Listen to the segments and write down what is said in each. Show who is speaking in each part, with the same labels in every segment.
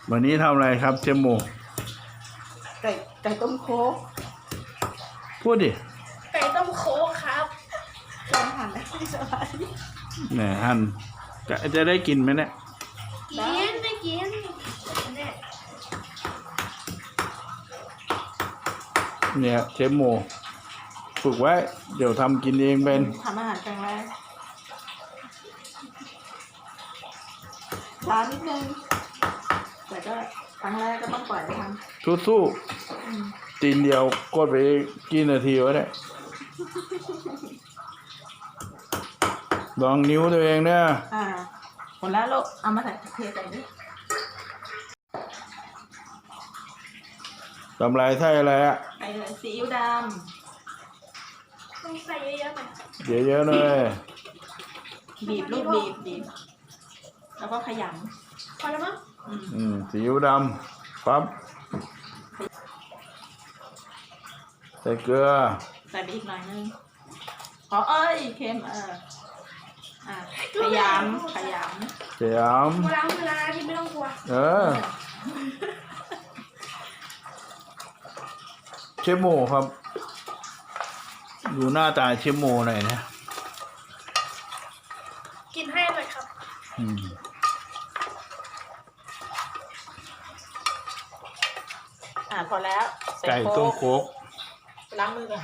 Speaker 1: วันนี้ทำอะไรครับเชฟโม
Speaker 2: ไก่ต้มโค้ก
Speaker 1: พูดดิ
Speaker 3: ไก่ต้มโค้กครับ
Speaker 2: ลองหั่นได้ไม่สบาย
Speaker 1: เนี่ยหั่นจะได้กินไหมเนี่ย
Speaker 3: กินไม่กิน
Speaker 1: เนี่ยเชฟโมฝึกไว้เดี๋ยวทำกินเองเป็น
Speaker 2: ทำอาหารครั้งแรกช้านิดนึงแต่ก็ครั้งแรกก็ต้องปล่อยไปท
Speaker 1: ำสู้ๆตีนเดียวกดไปกี่นาทีวะเนี่ยลองนิ้วตัวเองเนี่ย
Speaker 2: หมดแล้วลูกเอามาใส่เทใส่นี่
Speaker 1: ทำลายไส้อะไรอ่ะ
Speaker 2: ใส่ซีอิ๊วด
Speaker 3: ำต้องใส่เยอะๆหน่อย
Speaker 1: เยอะๆเลย
Speaker 2: บีบลูกบีบแล้วก็ขยำ
Speaker 3: พอแล้วมั้ง
Speaker 1: ซีอิ๊วดำปั๊บใส่เกลือ
Speaker 2: ใส่ไปอีกหน่อยนึงเค็มขยำ
Speaker 1: เว
Speaker 3: ลาที่ไม่ต้องกลัว
Speaker 1: เชฟโมครับดูหน้าตาเชฟโมหน่อยนะ
Speaker 3: กินให้หน่อยครับ
Speaker 2: พอแล้ว
Speaker 1: ไก่ต้มโค้ก
Speaker 2: ล้างมือก่อน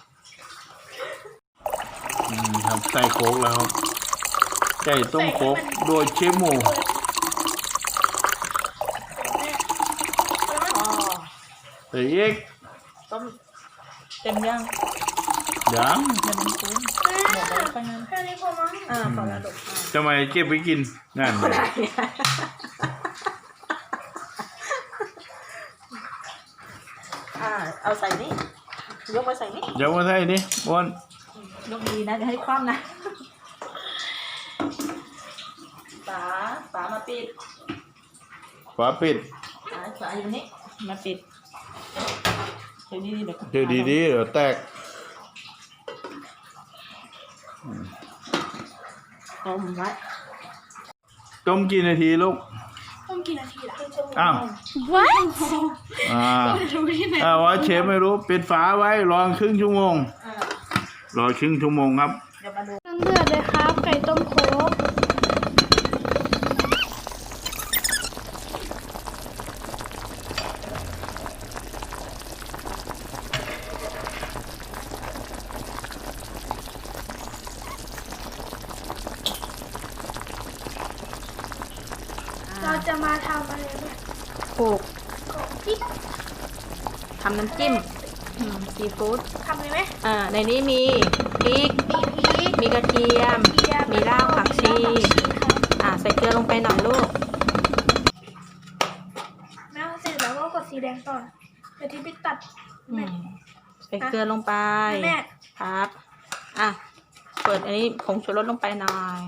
Speaker 1: ครับใส่โค้กแล้วครับไก่ต้มโค้กโดยเชฟโมใส่อีก
Speaker 2: ต้มเต็มยังมันคุ้มหมดแล้วค่อยนั้น
Speaker 3: แค่นี้พอมั้ง
Speaker 2: พอแล้วลูก
Speaker 1: ทำไมเก็บไปกินงานเลย
Speaker 2: เอาใส่นี่ยกมาใส่นี่
Speaker 1: ยกมาใส่นี่อ้วน
Speaker 2: ยกดีนะจะให้คว่ำนะฝามาปิด
Speaker 1: ฝาปิด
Speaker 2: ฝาอยู่นี่มาปิดเดี๋ยว
Speaker 1: ดีเดี๋ยวแตก
Speaker 2: ต้มไว้
Speaker 1: ต้มกี่นาทีลูก
Speaker 3: ต้มกี่นาทีล่ะ
Speaker 1: ว่าเชฟไม่รู้ปิดฝาไว้รอครึ่งชั่วโมงรอครึ่งชั่วโมงครับ
Speaker 3: เดี๋ยวมาดูเดือดเลยครับไก่ต้มโค้กเราจะมาทำอะไรเนี่ย
Speaker 2: โขลกทำน้ำจิ้มซีฟู้ด
Speaker 3: ทำเลยไหม
Speaker 2: ในนี้มีพริกมีกระเทียมมีรากผักชีใส่เกลือลงไปหน่อยลูก
Speaker 3: แล้วเสร็จแล้วก็กดสีแดงต่อเดี๋ยวที่ไปตัด
Speaker 2: ใส่เกลือลงไปครับเปิดอันนี้ผงชูรสลงไปหน่อย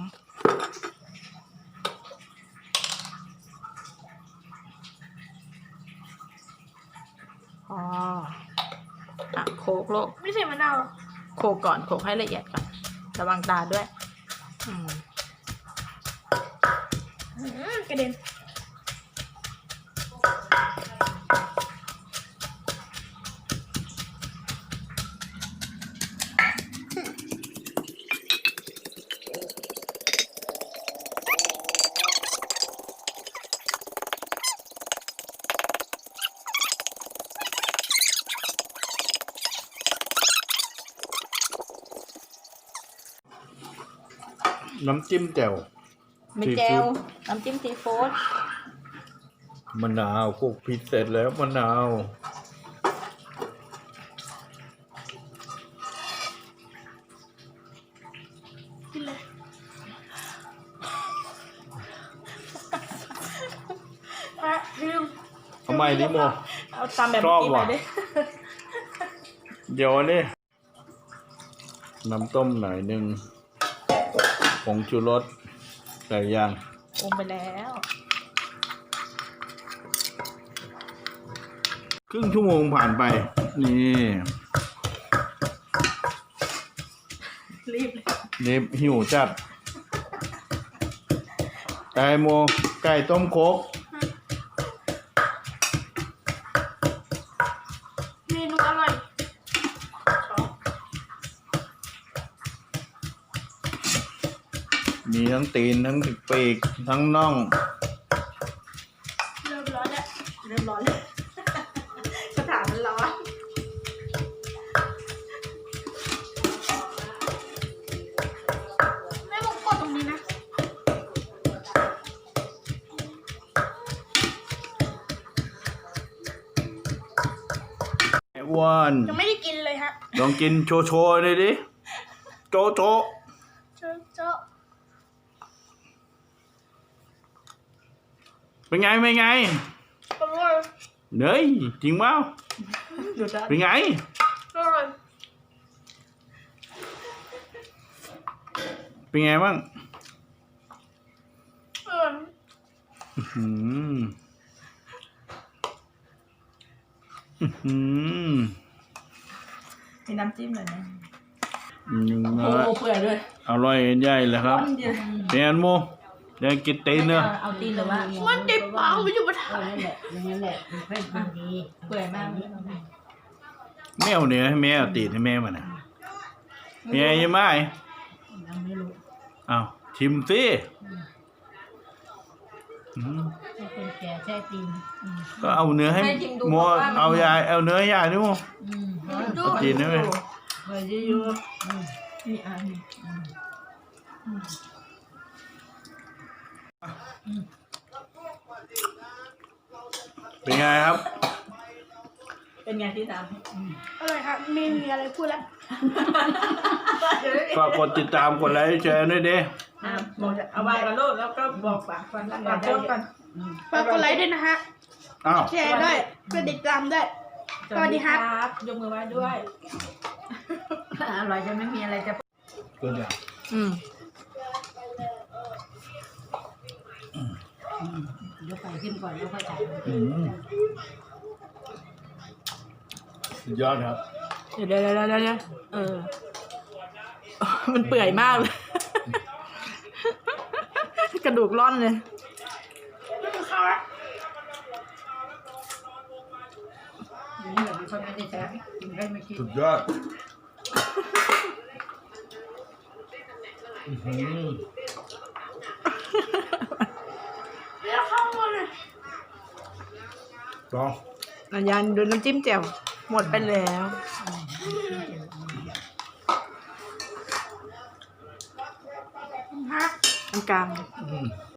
Speaker 2: โขลกลูก
Speaker 3: ไม่ใส่มะนาว
Speaker 2: โขลกก่อนโขลกให้ละเอียดก่อนระวังตาด้วย
Speaker 3: กระเด็น
Speaker 1: น้ำจิ้มแจ่ว
Speaker 2: ไม่แจ่วน้ำจิ้มซีฟู้ด
Speaker 1: มะนาวคลุกพริกเสร็จแล้วมะนาว
Speaker 3: กินเลยลืม
Speaker 1: ทำไมดิโม
Speaker 2: เอาตามแบบนี้ไปดิ
Speaker 1: เดี๋ยวนี่น้ำต้มหน่อยนึงผงชูรสใส่ย่าง
Speaker 2: ปรุงไปแล้ว
Speaker 1: ครึ่งชั่วโมงผ่านไปนี่รีบหิวจัดไก่ต้มโค้กทั้งตีนทั้งปีกทั้งน่อง
Speaker 3: เริ่มร้อนแล้ว
Speaker 2: เริ่มร้อนเลยสถานมันร้อน
Speaker 3: แม่ผมกดตรงนี้นะ
Speaker 1: ไอ้อ้วน
Speaker 3: ยังไม่ได้กินเลยฮะ
Speaker 1: ลองกินโชว์ๆเลยดิโจะ
Speaker 3: เจาะ
Speaker 1: เป็นไงอ
Speaker 3: ร่อย
Speaker 1: เนยจริงเปล่า
Speaker 2: ดูด้าน
Speaker 1: เป็นไง
Speaker 3: อร่อย
Speaker 1: เป็นไงบ้าง
Speaker 3: อร่อย
Speaker 1: อื้อหืออื้อหือ
Speaker 2: มีน้ำจิ้มเลยนะ
Speaker 1: ยัง
Speaker 2: โอ้
Speaker 1: ไง
Speaker 2: เปื่อยด้วย
Speaker 1: อร่อยใหญ่เลยครับ
Speaker 2: ก้อนเดียว
Speaker 1: เป็นไงโมเดี๋ยวกินตีนเนื้อ
Speaker 2: เอาตีนหรือว่า
Speaker 3: มันติดปากไม่อยู่บนถ่าย
Speaker 4: นั่นแหละอย่างนั้นแหละมันค่อยกินดี
Speaker 2: เปื่อยมาก
Speaker 1: แมวเนื้อให้แม่เอาตีนให้แม่มันนะเป็นไงยังไง
Speaker 4: ยังไม่รู้
Speaker 1: อ้าวชิมสิอืม
Speaker 4: ให้คนแก่แช่ตีน
Speaker 1: ก็เอาเนื้อให้โมเอายายเอาเนื้ให้ยายดิโม
Speaker 3: ดู
Speaker 1: เอาตีนได้ไหม
Speaker 4: เคยจะอยู่
Speaker 2: มีอัน
Speaker 1: เป็นไงครับ
Speaker 2: เป็นไงที่สาม
Speaker 3: อร่อยครับไม่มีอะไรพูดแล้ว
Speaker 1: ฝากกดติดตามกดไลค์แชร์ด้วยดิ
Speaker 2: บอกจะเอาไว้กับลูกแล้วก็บอกฝากฟันฝากโค้ดก่อน
Speaker 3: ฝากกดไลค์ด้วยนะฮะ
Speaker 1: อ้าว
Speaker 3: แชร์ด้วยกดติดตามด้วย สวัสดีครับ
Speaker 2: ยกมือไหว้ด้วย
Speaker 4: อร่อยจะไม่มีอะไรจะ
Speaker 1: ก็เดี๋ยว
Speaker 2: อืม
Speaker 4: ยกไปขึ้นก่อนแล้วค่อยถ่าย
Speaker 1: สุดยอดครับ
Speaker 2: เดี๋ยวเออ มันเปื่อยมากเลย กระดูกร่อนเลย
Speaker 3: ไม่มีข้าวแล้ว
Speaker 4: อย่างนี้แบบนี้เขาไม่ได้แช่กินได้ไม่คิด
Speaker 1: สุดยอดอื้อหือ
Speaker 3: เรียกข้าวมาเลย
Speaker 1: ลอง
Speaker 2: อันยันดูน้ำจิ้มแจ่วหมดไปแล้ว
Speaker 3: ฮะ
Speaker 2: อันกลาง
Speaker 1: อืม